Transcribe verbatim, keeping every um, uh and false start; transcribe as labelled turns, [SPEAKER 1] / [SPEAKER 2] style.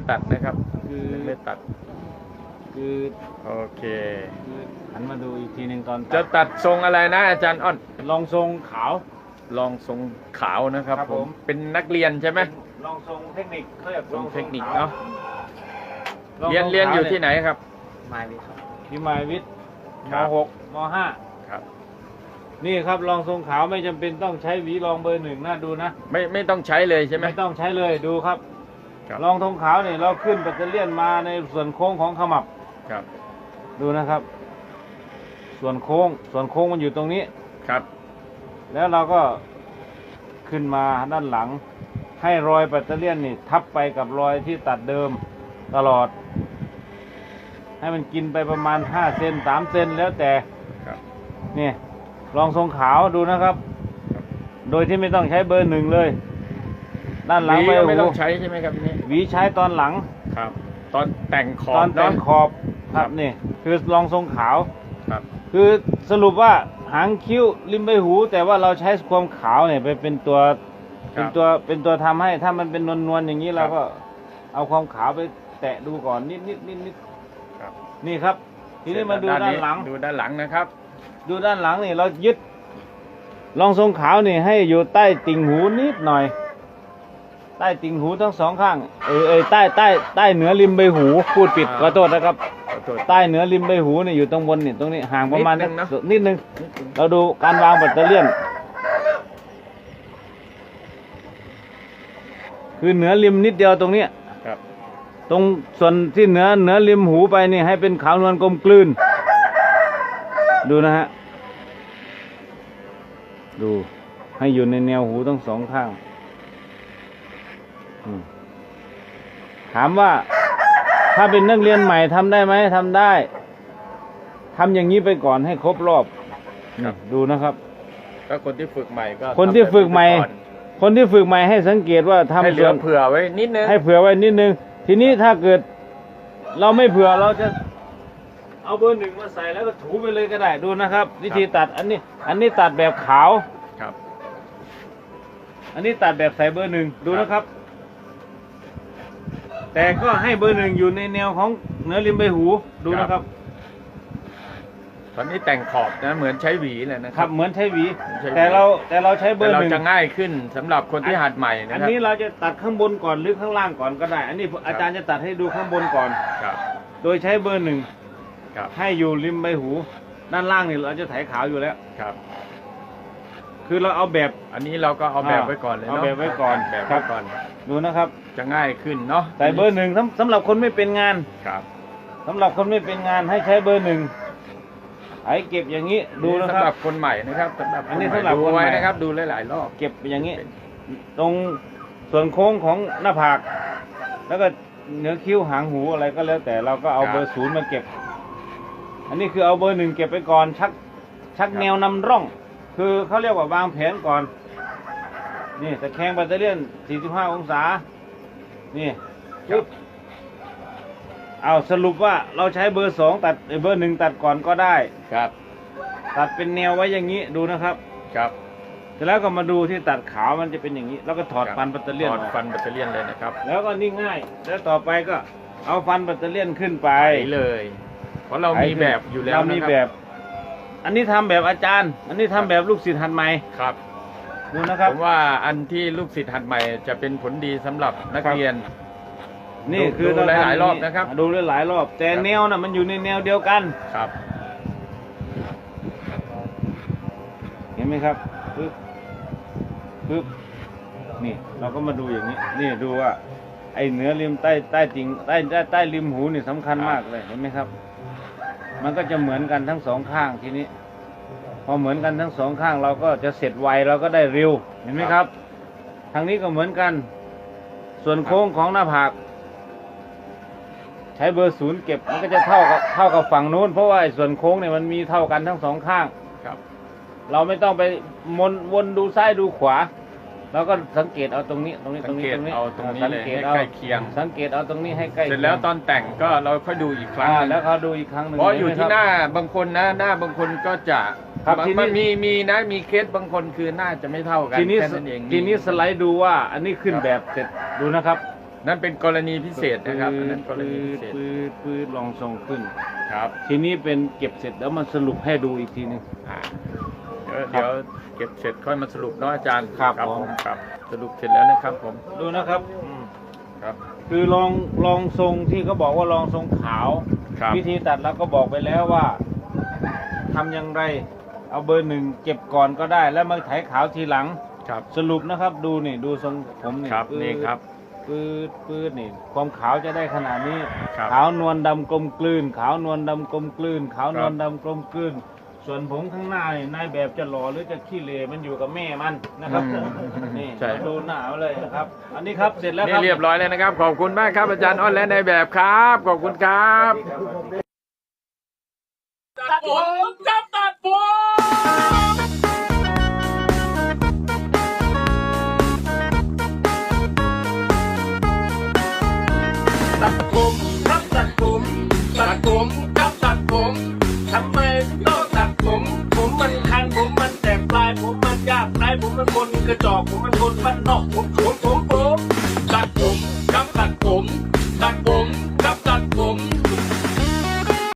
[SPEAKER 1] ตัดนะครับ
[SPEAKER 2] คือ
[SPEAKER 1] ยังไม่ตัด
[SPEAKER 2] คือ
[SPEAKER 1] โอเค
[SPEAKER 2] คือหันมาดูอีกทีหนึ่งตอน
[SPEAKER 1] จะตัดทรงอะไรนะอาจารย์อ้อน
[SPEAKER 2] ลองทรงขาว
[SPEAKER 1] ลองทรงขาวนะครับ
[SPEAKER 2] ครับ
[SPEAKER 1] ผ
[SPEAKER 2] ผม ม
[SPEAKER 1] เป็นนักเรียนใช่ไหม
[SPEAKER 2] ลองทรงเทคนิคเขาเรียก
[SPEAKER 1] ทรงเทคนิค
[SPEAKER 2] ขว
[SPEAKER 1] เนาะ
[SPEAKER 2] ลอง
[SPEAKER 1] เรียน
[SPEAKER 2] ทรง
[SPEAKER 1] เรียนอยู่
[SPEAKER 2] ขาว
[SPEAKER 1] ที่ไหนครับ
[SPEAKER 2] มายวิทย์ครับที่มายวิทย์
[SPEAKER 1] ค
[SPEAKER 2] ม
[SPEAKER 1] รับ
[SPEAKER 2] หกมห้า
[SPEAKER 1] ครับ
[SPEAKER 2] นี่ครับลองทรงขาวไม่จำเป็นต้องใช้หวีรองเบอร์หนึ่งนะดูนะ
[SPEAKER 1] ไม่ไม่ต้องใช้เลยใช่ไหม
[SPEAKER 2] ไม่ต้องใช้เลยดูครับ
[SPEAKER 1] ครับ
[SPEAKER 2] ลองทรงขาวเนี่ยเราขึ้นแบตเตอรี่ยนมาในส่วนโค้งของขมับ
[SPEAKER 1] ครับ
[SPEAKER 2] ดูนะครับ ส่วนโค้งส่วนโค้งมันอยู่ตรงนี้
[SPEAKER 1] ครับ
[SPEAKER 2] แล้วเราก็ขึ้นมาด้านหลัง ให้รอยแบตเตอรี่ยนนี่ทับไปกับรอยที่ตัดเดิมตลอด ให้มันกินไปประมาณห้าเซนสามเซนแล้วแต่
[SPEAKER 1] ครับ
[SPEAKER 2] นี่ลองทรงขาวดูนะครับ โดยที่ไม่ต้องใช้เบอร์หนึ่งเลย ด้านหลัง
[SPEAKER 1] หวี
[SPEAKER 2] ใบ
[SPEAKER 1] ก็
[SPEAKER 2] หู
[SPEAKER 1] ไม่ต้องใช้ใช่ไหมครับนี่
[SPEAKER 2] หวีใช้ตอนหลัง
[SPEAKER 1] ครับ ตอนแต่งขอ
[SPEAKER 2] ตอบ นแต่ง
[SPEAKER 1] เนาะ
[SPEAKER 2] ขอบครับนี่คือลองทรงขาว
[SPEAKER 1] ครับ
[SPEAKER 2] คือสรุปว่าหางคิ้วริมใบหู แต่ว่าเราใช้ความขาวเนี่ยไปเป็นตัว
[SPEAKER 1] ครั
[SPEAKER 2] เป็น
[SPEAKER 1] บ
[SPEAKER 2] ตัวเป็นตัวทำให้ถ้ามันเป็นนวลๆอย่างนี้
[SPEAKER 1] ครับ
[SPEAKER 2] เราก็เอาความขาวไปแตะดูก่อนนิดนิดนิดนิด
[SPEAKER 1] ครับ
[SPEAKER 2] นี่ครับ ทีนี้มาดูด้านหลัง
[SPEAKER 1] ดูด้านหลังนะครับ
[SPEAKER 2] ดูด้านหลังนี่เรายึดลองทรงขาวนี่ให้อยู่ใต้ติ่งหูนิดหน่อย ใต้ติ่งหูทั้งสองข้างเออเออใต้ใต้ใต้เหนือริมใบหูพูดผิด
[SPEAKER 1] อ่า
[SPEAKER 2] ขอโทษนะครับ
[SPEAKER 1] ขอโทษ
[SPEAKER 2] ใต้เหนือริมใบหูนี่อยู่ตรงบนนี่ตรงนี้ห่างประมาณ
[SPEAKER 1] นิดนึงนะ
[SPEAKER 2] นิดนึงเราดูการวางแบตเตอรี่ยนคือเหนือริมนิดเดียวตรงเนี้ย
[SPEAKER 1] ครับ
[SPEAKER 2] ตรงส่วนที่เหนือเหนือริมหูไปนี่ให้เป็นขาวนวลกลมกลืน ดูนะฮะดูให้อยู่ในแนวหูทั้งสองข้างอืมถามว่าถ้าเป็นนักเรียนใหม่ทำได้ไหมทำได้ทำอย่างนี้ไปก่อนให้ครบรอบ
[SPEAKER 1] ครับ
[SPEAKER 2] นี่ดูนะครับ
[SPEAKER 1] ก็คนที่ฝึกใหม่ก็
[SPEAKER 2] คนที่ฝึกใหม่
[SPEAKER 1] ทำแบบนี้ก่อน
[SPEAKER 2] คนที่ฝึกใหม่ให้สังเกตว่าทำ
[SPEAKER 1] ให้เหลื
[SPEAKER 2] ส่
[SPEAKER 1] อ
[SPEAKER 2] วน
[SPEAKER 1] เผื่อไว้นิดนึง
[SPEAKER 2] ให้เผื่อไว้นิดนึง ทีนี้ถ้าเกิด เราไม่เผื่อเราจะเอาเบอร์หนึ่งมาใส่แล้วก็ถูไปเลยก็ได้ดูนะครับ วิธีตัดอันนี้ อันนี้ตัดแบบขาว
[SPEAKER 1] ครับ
[SPEAKER 2] อันนี้ตัดแบบใส่เบอร์หนึ่งดูนะครับ แต่ก็ให้เบอร์หนึ่งอยู่ในแนวของเนื้อริมใบหูดูนะครับ
[SPEAKER 1] ตอนนี้แต่งขอบนะเหมือนใช้หวีเลยนะค
[SPEAKER 2] ครั
[SPEAKER 1] รั
[SPEAKER 2] บบ เหมือนใช้หวี
[SPEAKER 1] ใช้หวี
[SPEAKER 2] แต่เราแต่เราใช้เบอ
[SPEAKER 1] แต่
[SPEAKER 2] ร์
[SPEAKER 1] เรา
[SPEAKER 2] หนึ่ง
[SPEAKER 1] จะง่ายขึ้นสำหรับคนที่หัดใหม่นะ
[SPEAKER 2] อัน
[SPEAKER 1] ครับ
[SPEAKER 2] นี้เราจะตัดข้างบนก่อนหรือข้างล่างก่อนก็ได้ อันนี้อาจารย์จะตัดให้ดูข้างบนก่อน
[SPEAKER 1] ครับ
[SPEAKER 2] โดยใช้เบอร์หนึ่ง
[SPEAKER 1] ครับ
[SPEAKER 2] ให้อยู่ริมใบหู ด้านล่างนี่เราจะไถขาวอยู่แล้ว
[SPEAKER 1] ครับ
[SPEAKER 2] คือเราเอาแบบ
[SPEAKER 1] อันนี้เราก็เอาแบบไว้ก่อนเลย
[SPEAKER 2] เอา
[SPEAKER 1] เนาะ
[SPEAKER 2] แบบไว้ก่อน
[SPEAKER 1] แบบ
[SPEAKER 2] ครั
[SPEAKER 1] ไว้
[SPEAKER 2] บ
[SPEAKER 1] ก่อน
[SPEAKER 2] ดูนะครับ
[SPEAKER 1] จะง่ายขึ้นเนาะ
[SPEAKER 2] ใส่เบอร์หนึ่งสำสำหรับคนไม่เป็นงาน
[SPEAKER 1] ครับ
[SPEAKER 2] สำหรับคนไม่เป็นงานให้ใช้เบอร์หนึ่งไอ้เก็บอย่างนี้ดูนะค
[SPEAKER 1] สำห
[SPEAKER 2] รั
[SPEAKER 1] รับ บคนใหม่นะครับสำหรับ
[SPEAKER 2] อันนี้
[SPEAKER 1] ค
[SPEAKER 2] สำหรับ
[SPEAKER 1] ดู
[SPEAKER 2] คนใหม่
[SPEAKER 1] ไว้นะครับ ดูหลายๆรอบ
[SPEAKER 2] เก็บอย่างนี้ ตรงส่วนโค้งของหน้าผาก แล้วก็เหนือคิ้วหางหูอะไรก็แล้วแต่เราก็เอาเบอร์ศูนย์มาเก็บ อันนี้คือเอาเบอร์หนึ่งเก็บไปก่อนชักชักแนวนำร่อง คือเขาเรียกว่าวางแผนก่อน นี่ตะแคงแบตเตอรี่ยนสี่สิบห้าองศา นี่ปึ๊บเอาสรุปว่าเราใช้เบอร์สองตัดเอ้ยเบอร์หนึ่งตัดก่อนก็ได้
[SPEAKER 1] ครับ
[SPEAKER 2] ตัดเป็นแนวไว้อย่างนี้ดูนะครับ
[SPEAKER 1] ครับ
[SPEAKER 2] เสร็จแล้วก็มาดูที่ตัดขาวมันจะเป็นอย่างนี้ แล้วก็ถอด
[SPEAKER 1] ครับ
[SPEAKER 2] ฟันแบตเตอรี่ยน
[SPEAKER 1] ถ
[SPEAKER 2] อ
[SPEAKER 1] อด
[SPEAKER 2] อก
[SPEAKER 1] ฟันแบตเตอรี่ยนเลยนะครับ
[SPEAKER 2] แล้วก็นี่ง่าย แล้วต่อไปก็เอาฟันแบตเตอรี่ยนขึ้นไป
[SPEAKER 1] ไปเลย เพราะเรามีแบบอยู่แล้ว
[SPEAKER 2] เรา
[SPEAKER 1] นะ
[SPEAKER 2] มี
[SPEAKER 1] ครับ
[SPEAKER 2] แบบ อันนี้ทำแบบอาจารย์ อันนี้ทำแบบลูกศิษย์หัดใหม่
[SPEAKER 1] ครับ
[SPEAKER 2] ดูนะครับ
[SPEAKER 1] ผมว่าอันที่ลูกศิษย์หัดใหม่จะเป็นผลดีสำหรับนัก
[SPEAKER 2] ครับ
[SPEAKER 1] เรียน
[SPEAKER 2] นี่
[SPEAKER 1] ดู
[SPEAKER 2] คือ
[SPEAKER 1] ดู
[SPEAKER 2] เ
[SPEAKER 1] หลายๆรอบนะครับ
[SPEAKER 2] ดูหลายๆรอบ แต่
[SPEAKER 1] ครับ
[SPEAKER 2] แนวน่ะมันอยู่ในแนวเดียวกัน
[SPEAKER 1] ครับ
[SPEAKER 2] เห็นไหมครับปึ๊บปึ๊บนี่เราก็มาดูอย่างนี้ นี่ดูว่า ไอ้เนื้อริมใต้ใต้ติ่งใต้ใต้ใต้ริมหูนี่สำคัญมากเลยเห็นไหมครับ มันก็จะเหมือนกันทั้งสองข้างทีนี้ พอเหมือนกันทั้งสองข้างเราก็จะเสร็จไวเราก็ได้เร็วเห็นไหมครับ ทางนี้ก็เหมือนกัน ส่วนโค้งของหน้าผาก ใช้เบอร์ศูนย์เก็บมันก็จะเท่ากับเท่ากับฝั่งนู้นเพราะว่าไอ้ส่วนโค้งเนี่ยมันมีเท่ากันทั้งสองข้าง
[SPEAKER 1] ครับ
[SPEAKER 2] เราไม่ต้องไปมนวนดูซ้ายดูขวาเราก็สังเกตเอาตรงนี้ตรงนี้ต
[SPEAKER 1] สั
[SPEAKER 2] รง ง
[SPEAKER 1] เก
[SPEAKER 2] นี้
[SPEAKER 1] ต
[SPEAKER 2] ตรงนี้
[SPEAKER 1] เอาตรงนี้
[SPEAKER 2] สั
[SPEAKER 1] เลย
[SPEAKER 2] เก
[SPEAKER 1] ให้
[SPEAKER 2] ตเอา
[SPEAKER 1] ใกล้เคียง
[SPEAKER 2] สังเกตเอาตรงนี้ให้ใกล้
[SPEAKER 1] เสร็จแล้วตอนแต่งก็เราค่อยดูอีกครั้ง
[SPEAKER 2] อ่า
[SPEAKER 1] หนึ่ง
[SPEAKER 2] แล้วเขาดูอีกครั้งหนึ่ง
[SPEAKER 1] เพราะอยู่
[SPEAKER 2] เไหม
[SPEAKER 1] ที่
[SPEAKER 2] ครับ
[SPEAKER 1] หน้าบางคนนะหน้าบางคนก็จะ
[SPEAKER 2] ครับทีนี้
[SPEAKER 1] มันมีมีนะมีเคสบางคนคือหน้าจะไม่เท่ากัน
[SPEAKER 2] ทีนี้
[SPEAKER 1] แค่นั้นเอง
[SPEAKER 2] ทีนี้สไลด์ดูว่าอันนี้ขึ้น
[SPEAKER 1] ครับ
[SPEAKER 2] แบบเสร็จดูนะครับ
[SPEAKER 1] นั่นเป็นกรณีพิเศษนะครับอันนั้นกร
[SPEAKER 2] ปื
[SPEAKER 1] ณีพิ
[SPEAKER 2] ด
[SPEAKER 1] เศษ
[SPEAKER 2] ปืดปืดลองทรงขึ้น
[SPEAKER 1] ครับ
[SPEAKER 2] ทีนี้เป็นเก็บเสร็จแล้วมาสรุปให้ดูอีกทีหนึง
[SPEAKER 1] อ่าเดี๋ยวเดี๋ยวเก็บเสร็จค่อยมาสรุปเนาะอาจารย์
[SPEAKER 2] ครับ
[SPEAKER 1] ครับ
[SPEAKER 2] ผม
[SPEAKER 1] ครับสรุปเสร็จแล้วนะครับผม
[SPEAKER 2] ดูนะครับอืม
[SPEAKER 1] ครับ
[SPEAKER 2] คือลองลองทรงที่เขาบอกว่าลองทรงขาว
[SPEAKER 1] ครับ
[SPEAKER 2] วิธีตัดแล้วก็บอกไปแล้วว่าทำอย่างไร เอาเบอร์หนึ่งเก็บก่อนก็ได้ แล้วมาไถขาวทีหลัง
[SPEAKER 1] ครับ
[SPEAKER 2] สรุปนะครับดูนี่ดูทรงผมนี่
[SPEAKER 1] ครับ
[SPEAKER 2] ปื๊ด
[SPEAKER 1] นี่ครับ
[SPEAKER 2] ปืดปืดนี่ ความขาวจะได้ขนาดนี้
[SPEAKER 1] ครับ
[SPEAKER 2] ขาวนวลดำกลมกลืน ขาวนวลดำกลมกลืน ขาวนวลดำกลมกลืน ส่วนผมข้างหน้านี่นายแบบจะหล่อหรือจะขี้เหร่มันอยู่กับแม่มันนะครับ
[SPEAKER 1] อืม
[SPEAKER 2] นี่
[SPEAKER 1] ใช่
[SPEAKER 2] ดูหน้าเอาเลยนะครับ อันนี้ครับเสร็จแล้วค
[SPEAKER 1] นี่
[SPEAKER 2] รับ
[SPEAKER 1] เรียบร้อยแล้วนะครับ ขอบคุณมากครับอาจารย์อ้อนและในแบบครับ ขอบคุณครับ
[SPEAKER 3] ตัดผมจับตัดผมตัดผมครับตัดผมตัดผมครับตัดผมทำไมต้องตัดผม ผมมันคันผมมันแสบปลายผมมันยากไรผมมันคนกระจอกผมมันคนบ้านนอกผมผมผมผมตัดผมครับตัดผมตัดผม